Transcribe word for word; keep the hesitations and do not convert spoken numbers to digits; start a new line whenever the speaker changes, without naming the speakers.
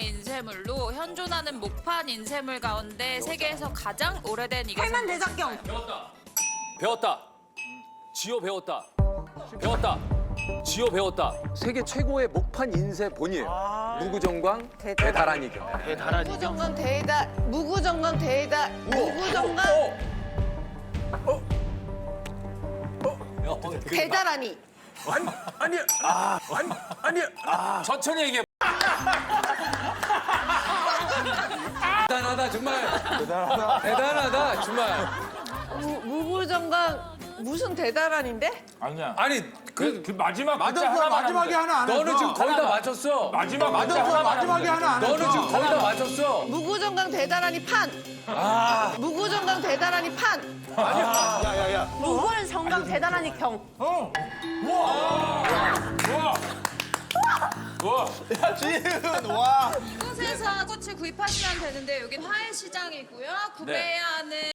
인쇄물로 현존하는 목판 인쇄물 가운데 세계에서 가장 오래된 이것은
팔만 대작경.
배웠다. 지호 배웠다. 배웠다. 지호 배웠다. 세계 최고의 목판 인쇄 본이에요. 무구정광 대다란이 경.
무구정강 대다 무구정강 대다 무구정강 대다라니.
아니 아니 아 아니 아니 아 천천히 얘기해. 대단하다 정말. 대단하다. 대단하다 정말.
무, 무구정강 무슨 대다란인데?
아니야.
아니
그, 그 마지막 글자
맞았어.
하나만
마지막에
하면 돼.
하나 안 했어.
너는 지금 거의 다 맞췄어.
마지막 글자
맞았어.
하나만
마지막에
하면 돼.
하나 안 했어.
너는 지금 거의 다 맞췄어.
무구정강 대다란이 판.
아
무구정강 대다란이 판.
야야야.
무골 정강 대단하니 경.
어. 우와. 우와. 우와.
야 지은 와.
이곳에서 꽃을 구입하시면 되는데 여긴 화훼시장이고요. 구매해야 하는